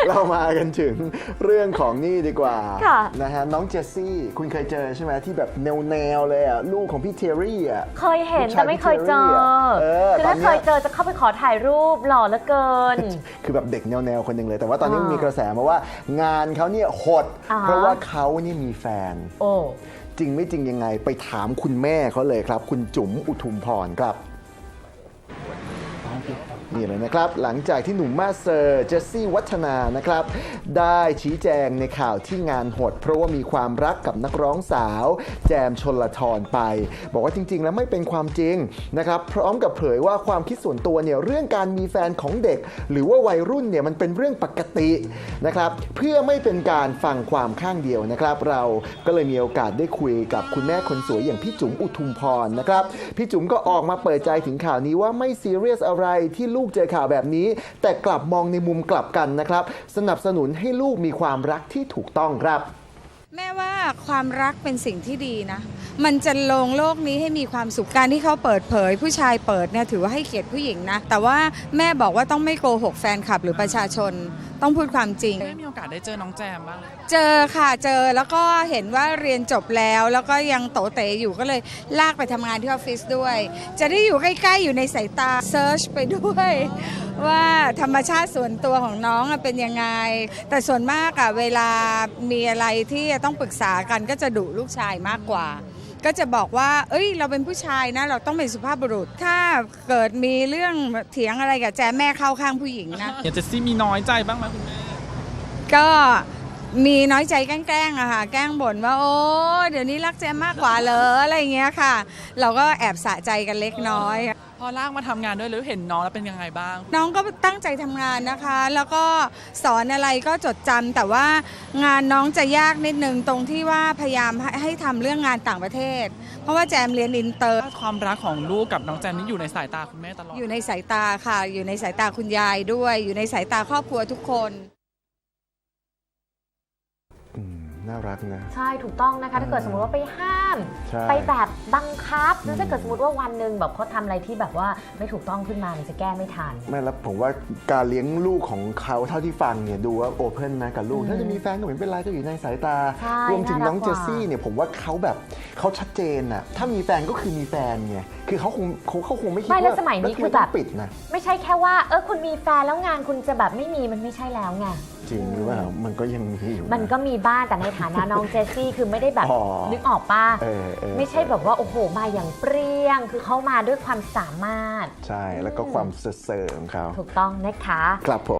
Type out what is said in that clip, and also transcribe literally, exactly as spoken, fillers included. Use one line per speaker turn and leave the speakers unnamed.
เรามากันถึงเรื่องของนี่ดีกว่า
ค่ะ
นะฮะน้องเจสซี่คุณเคยเจอใช่ไหมที่แบบแนวๆเลยอ่ะลูกของพี่เทอรี่อ่ะ
เคยเห็นแต่ไม่เคยเจอ
เออ
คือ
ตอน
ถ้า
เนี้
เค
ย
ยเจอจะเข้าไปขอถ่ายรูปหล่อเหลือเกิน
คือแบบเด็กแนวๆคนหนึ่งเลย แต่ว่าตอนนี้
อ่ามี
มีกระแสมาว่างานเขาเนี่ยหด
อ่าฮะ
เพราะว่าเขานี่มีแฟน
โอ้
จริงไม่จริงยังไงไปถามคุณแม่เขาเลยครับ คุณจุ๋มอุทุมพรครับ นี่เลยนะครับ หลังจากที่หนุ่มมาสเซอร์เจสซี่วัฒนานะครับ ได้ชี้แจงในข่าวที่งานหด เพราะว่ามีความรักกับนักร้องสาว แจมชลทรไป บอกว่าจริง ๆ แล้วไม่เป็นความจริงนะครับ พร้อมกับเผยว่าความคิดส่วนตัวเนี่ยเรื่องการมีแฟนของเด็ก หรือว่าวัยรุ่นเนี่ยมันเป็นเรื่องปกตินะครับเพื่อไม่เป็นการฟังความข้างเดียวนะครับ เราก็เลยมีโอกาสได้คุยกับคุณแม่คนสวยอย่างพี่จุ๋มอุทุมพรนะครับพี่จุ๋มก็ออกมาเปิดใจถึงข่าวนี้ว่าไม่ซีเรียสอะไรที่ลูกเจอข่าวแบบนี้ แต่กลับมองในมุมกลับกันนะครับสนับสนุนให้ลูกมีความรักที่ถูกต้องครับ
แม่ว่าความรักเป็นสิ่งที่ดีนะ มันจะลงโลกนี้ให้มีความสุขการที่เขาเปิดเผย ผู้ชายเปิดเนี่ยถือว่าให้เกียรติผู้หญิงนะ แต่ว่าแม่บอกว่าต้องไม่โกหกแฟนคลับหรือประชาชน ต้องพูดความจริง
ได้มีโอกาสได้เจอน้องแจมบ้างเลย
เจอค่ะเจอแล้วก็เห็นว่าเรียนจบแล้ว แล้วก็ยังโตเต๋อยู่ก็เลยลากไปทำงานที่ออฟฟิศด้วย จะได้อยู่ใกล้ๆอยู่ในสายตาเซิร์ชไปด้วย ว่าธรรมชาติส่วนตัวของน้องอะเป็นยังไง แต่ส่วนมากอะเวลามีอะไรที่จะต้องปรึกษากันก็จะดุลูกชายมากกว่า ก็จะบอกว่า เอ้ยเราเป็นผู้ชายนะเราต้องเป็นสุภาพบุรุษ ถ้าเกิดมีเรื่องเถียงอะไรกับแจแม่เข้าข้างผู้หญิงนะ
อยากจะซี่มีน้อยใจบ้างไหมคุณแม่
ก็มีน้อยใจแกล้งๆอะค่ะแกล้งบ่นว่าโอ้เดี๋ยวนี้รักแจมมากกว่าเหรออะไรอย่างเงี้ยค่ะ เราก็แอบสะใจกันเล็กน้อย
พอลากมาทำงานด้วยหรือเห็นน้องแล้วเป็นยังไงบ้าง
น้องก็ตั้งใจทำงานนะคะ แล้วก็สอนอะไรก็จดจำแต่ว่างานน้องจะยากนิดนึงตรงที่ว่าพยายามให้ให้ทำเรื่องงานต่างประเทศ เพราะว่าแจมเรียนอินเตอร์
ความรักของลูกกับน้องแจมนี่อยู่ในสายตาคุณแม่ตลอด
อยู่ในสายตาค่ะ อยู่ในสายตาคุณยายด้วย อยู่ในสายตาครอบครัวทุกคน
อืมน่ารักนะ
ใช่ถูกต้องนะคะถ้าเกิดสมมติว่าไปห้าม
ใช่
ไปแบบบังคับแล้วถ้าเกิดสมมติว่าวันหนึ่งแบบเขาทำอะไรที่แบบว่าไม่ถูกต้องขึ้นมาเนี่ยจะแก้ไม่ทัน
ไม่แล้วผมว่าการเลี้ยงลูกของเขาเท่าที่ฟังเนี่ยดูว่าโอเพ่นนะกับลูก ถ้าจะมีแฟนก็ไม่เป็นไรก็อยู่ในสายตา
ใช่
รวมถึงน้อง
น่ารัก
เจ
กว่า
สซี่เนี่ยผมว่าเขาแบบเขาชัดเจนน่ะถ้ามีแฟนก็คือมีแฟนไงคือเขาคงเขาเขาคงไม่คิด
ไม่แล้ว
ว่า
สมัยนี้
ล้วทำ
คือแบบ
ต้งปิดนะ
ไม่ใช่แค่ว่าเออคุณมีแฟนแล้วงานคุณจะแบบไม่มีมันไม่ใช่แล้วไง
จริงหรือเปล่ามันก็ยังมีอยู่ะ
มันก็มีบ้างแต่ในฐานะน้องเจสซี่คือไม่ได้แบบ
อ๋อ
นึกออกป่ะ
เออเออ
ไม่ใช่แบบว่าโอ้โหมาอย่างเปรี้ยง คือเขามาด้วยความสามารถ
ใช่แล้วก็ความเสริมของเขา
ถูกต้องนะคะ
ครับผม